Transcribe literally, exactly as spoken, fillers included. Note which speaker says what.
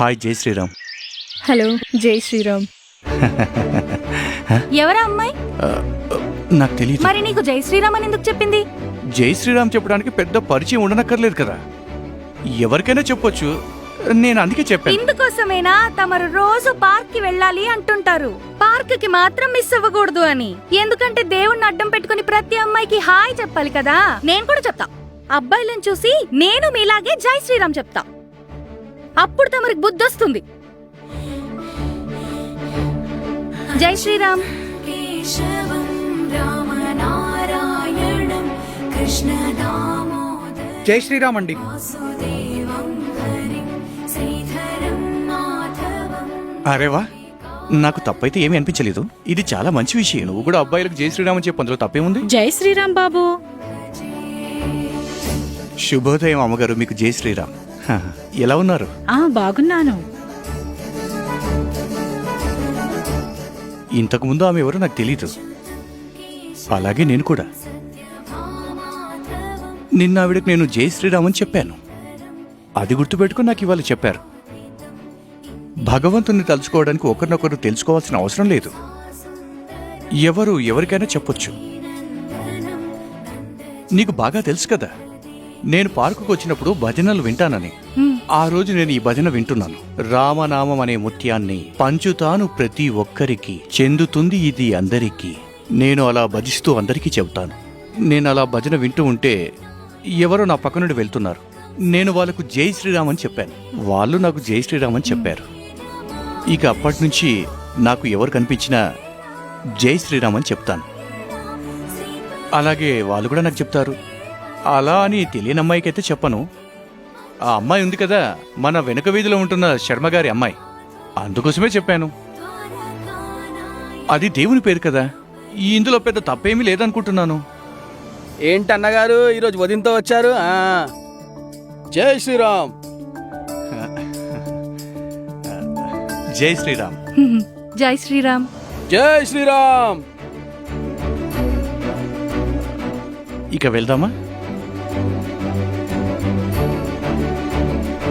Speaker 1: Hi జై Sriram.
Speaker 2: Hello జై శ్రీరామ్. ఎవరా అమ్మాయి?
Speaker 1: నాకు తెలియదు.
Speaker 2: మరి నీకు జై శ్రీరామ్ అని ఎందుకు చెప్పింది?
Speaker 1: జై శ్రీరామ్ చెప్పడానికి పెద్ద పరిచయం ఉండనక్కర్లేదు కదా, ఎవరికైనా చెప్పొచ్చు. నేను అందుకే చెప్పాను.
Speaker 2: ఇందుకోసమేనా తమరు రోజు పార్క్ కి వెళ్ళాలి అంటుంటారు, పార్క్ కి మాత్రం మిస్ అవ్వకూడదు అని. ఎందుకంటే దేవుణ్ణి అడ్డం పెట్టుకుని ప్రతి అమ్మాయికి హాయ్ చెప్పాలి కదా. నేను కూడా చెప్తా, అబ్బాయిలను చూసి నేను మీలాగే జై శ్రీరామ్ చెప్తా, అప్పుడు తమరికి బుద్ధి వస్తుంది. జై శ్రీరామ్.
Speaker 3: జై శ్రీరామ్ అండి.
Speaker 1: అరేవా, నాకు తప్పైతే ఏమీ అనిపించలేదు. ఇది చాలా మంచి విషయం. నువ్వు కూడా అబ్బాయిలకు జై శ్రీరామ్ అని చెప్పు, అందులో తప్పేముంది?
Speaker 2: జై శ్రీరామ్ బాబు.
Speaker 1: శుభోదయం అమ్మగారు, మీకు జై శ్రీరామ్. హ, ఎలా ఉన్నారు?
Speaker 2: ఆ బాగున్నాను.
Speaker 1: ఇంతకు ముందు ఆమె ఎవరో నాకు తెలీదు, అలాగే నేను కూడా. నిన్న ఆవిడకి నేను జై శ్రీరామ్ అని చెప్పాను, అది గుర్తుపెట్టుకుని నాకు ఇవాళ చెప్పారు. భగవంతుని తలుచుకోవడానికి ఒకరినొకరు తెలుసుకోవాల్సిన అవసరం లేదు, ఎవరు ఎవరికైనా చెప్పొచ్చు. నీకు బాగా తెలుసు కదా, నేను పార్కుకు వచ్చినప్పుడు భజనలు వింటానని. ఆ రోజు నేను ఈ భజన వింటున్నాను. రామనామం అనే ముత్యాన్ని పంచుతాను ప్రతి ఒక్కరికి, చెందుతుంది ఇది అందరికీ. నేను అలా భజిస్తూ అందరికీ చెబుతాను. నేను అలా భజన వింటూ ఉంటే ఎవరో నా పక్క నుండి వెళ్తున్నారు. నేను వాళ్ళకు జై శ్రీరామ్ అని చెప్పాను, వాళ్ళు నాకు జై శ్రీరామ్ అని చెప్పారు. ఇక అప్పటి నుంచి నాకు ఎవరు కనిపించినా జై శ్రీరామ్ అని చెప్తాను. అలాగే వాళ్ళు కూడా నాకు చెప్తారు. అలా అని తెలియని అమ్మాయికి అయితే చెప్పను. ఆ అమ్మాయి ఉంది కదా, మన వెనుక వీధిలో ఉంటున్న శర్మ గారి అమ్మాయి, అందుకోసమే చెప్పాను. అది దేవుని పేరు కదా, ఇందులో పెద్ద తప్పేమీ లేదనుకుంటున్నాను.
Speaker 3: ఏంటి అన్నగారు ఈరోజు ఉదయంతో వచ్చారు? ఆ జై శ్రీరామ్.
Speaker 1: జై శ్రీరామ్.
Speaker 2: జై శ్రీరామ్.
Speaker 3: జై శ్రీరామ్.
Speaker 1: ఇక వెళ్దామా?